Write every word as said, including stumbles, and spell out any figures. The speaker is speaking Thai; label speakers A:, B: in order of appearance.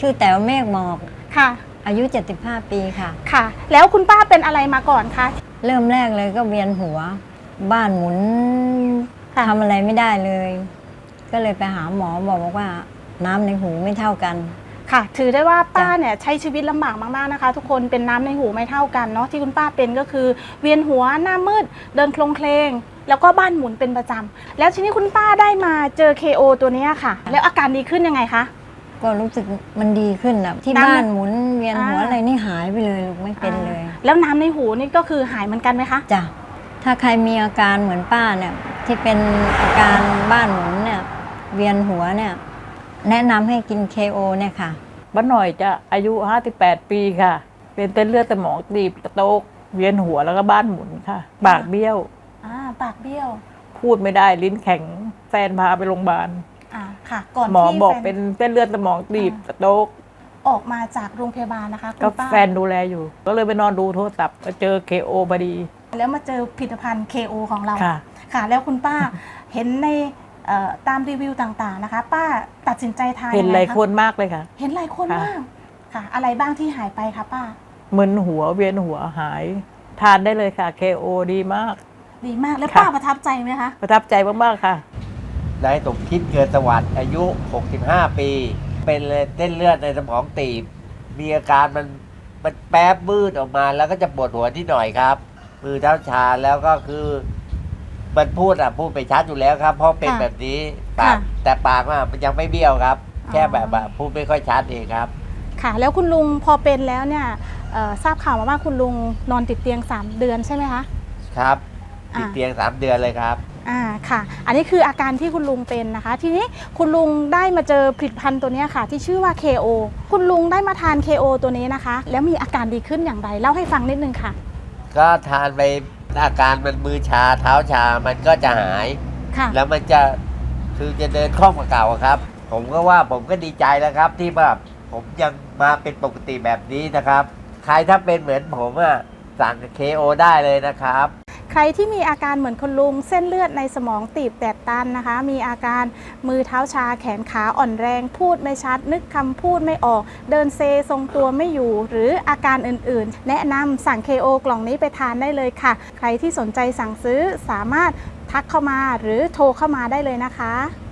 A: ชื่อแต๋วเมฆหมอก
B: ค่ะ
A: อายุเจ็ดสิบห้าปีค่ะ
B: ค่ะแล้วคุณป้าเป็นอะไรมาก่อนคะ
A: เริ่มแรกเลยก็เวียนหัวบ้านหมุนทำอะไรไม่ได้เลยก็เลยไปหาหมอบอกว่าน้ำในหูไม่เท่ากัน
B: ค่ะถือได้ว่าป้าเนี่ยใช้ชีวิตลำบากมากๆนะคะทุกคนเป็นน้ำในหูไม่เท่ากันเนาะที่คุณป้าเป็นก็คือเวียนหัวหน้ามืดเดินโคลงเคลงแล้วก็บ้านหมุนเป็นประจำแล้วทีนี้คุณป้าได้มาเจอ เค โอ ตัวนี้ค่ะแล้วอาการดีขึ้นยังไงคะ
A: ก็รู้สึกมันดีขึ้นอะที่บ้านหมุนเวียนหัวอะไรนี่หายไปเลยลูกไม่เป็นเลย
B: แล้วน้ำในหูนี่ก็คือหายเหมือนกันไหมคะ
A: จ้ะถ้าใครมีอาการเหมือนป้าเนี่ยที่เป็นอาการบ้านหมุนเนี่ยเวียนหัวเนี่ยแนะนำให้กิน เค โอ เนี่ยค่ะ
C: บ้านหน่อยจะอายุห้าสิบแปดปีค่ะเป็นเส้นเลือดสมองตีบโตกเวียนหัวแล้วก็บ้านหมุนค่ะปากเบี้ยว
B: อ่าปากเบี้ยว
C: พูดไม่ได้ลิ้นแข็งแฟนพาไปโรงพยาบาล
B: อ่าค่ะก่อน
C: หมอบอกเป็นเส้นเลือดสมองตีบโตก
B: ออกมาจากโรงพยาบาลนะคะ
C: ก็แฟนดูแลอยู่ก็เลยไปนอนดูโทรศัพท์มาเจอ เค โอ พอดี
B: แล้วมาเจอผลิตภัณฑ์ เค โอ ของเราค่ะค่ะแล้วคุณป้าเห็นในตามรีวิวต่างๆนะคะป้าตัดสินใจทาน
C: เห็นหลายคนมากเลยค่ะ
B: เห็นหลายคนมากค่ะอะไรบ้างที่หายไปคะป้า
C: มึนหัวเวียนหัวหายทานได้เลยค่ะ เค โอ ดีมาก
B: ดีมากแล้วป้าประทับใจไหมคะ
C: ประทับใจมากๆค่ะ
D: นายสมคิดเกิดสวัสดิ์อายุหกสิบห้าปีเป็นเส้นเลือดในสมองตีบมีอาการมันมันแป๊บมืดออกมาแล้วก็จะปวดหัวที่หน่อยครับมือเท้าชาแล้วก็คือมันพูดอ่ะพูดไปชัดอยู่แล้วครับเพราะเป็นแบบนี้ปากแต่ปากมันยังไม่เบี้ยวครับแค่แบบพูดไม่ค่อยชัดเองครับ
B: ค่ะแล้วคุณลุงพอเป็นแล้วเนี่ยทราบข่าวมาว่าคุณลุงนอนติดเตียงสามเดือนใช่ไหมคะ
D: ครับติดเตียงสามเดือนเลยครับ
B: อ่าค่ะอันนี้คืออาการที่คุณลุงเป็นนะคะทีนี้คุณลุงได้มาเจอผลิตภัณฑ์ตัวนี้ค่ะที่ชื่อว่า เค โอ คุณลุงได้มาทาน เค โอ ตัวนี้นะคะแล้วมีอาการดีขึ้นอย่างไรเล่าให้ฟังนิดนึงค่ะ
D: ก็ทานไปอาการมันมือชาเท้าชามันก็จะหายแล้วมันจะคือจะเดินคล่องกว่าเก่าครับผมก็ว่าผมก็ดีใจแล้วครับที่แบบผมยังมาเป็นปกติแบบนี้นะครับใครถ้าเป็นเหมือนผมอ่ะสั่ง เค โอ ได้เลยนะครับ
B: ใครที่มีอาการเหมือนคุณลุงเส้นเลือดในสมองตีบแตกตันนะคะมีอาการมือเท้าชาแขนขาอ่อนแรงพูดไม่ชัดนึกคำพูดไม่ออกเดินเซทรงตัวไม่อยู่หรืออาการอื่นๆแนะนำสั่ง เค โอ กล่องนี้ไปทานได้เลยค่ะใครที่สนใจสั่งซื้อสามารถทักเข้ามาหรือโทรเข้ามาได้เลยนะคะ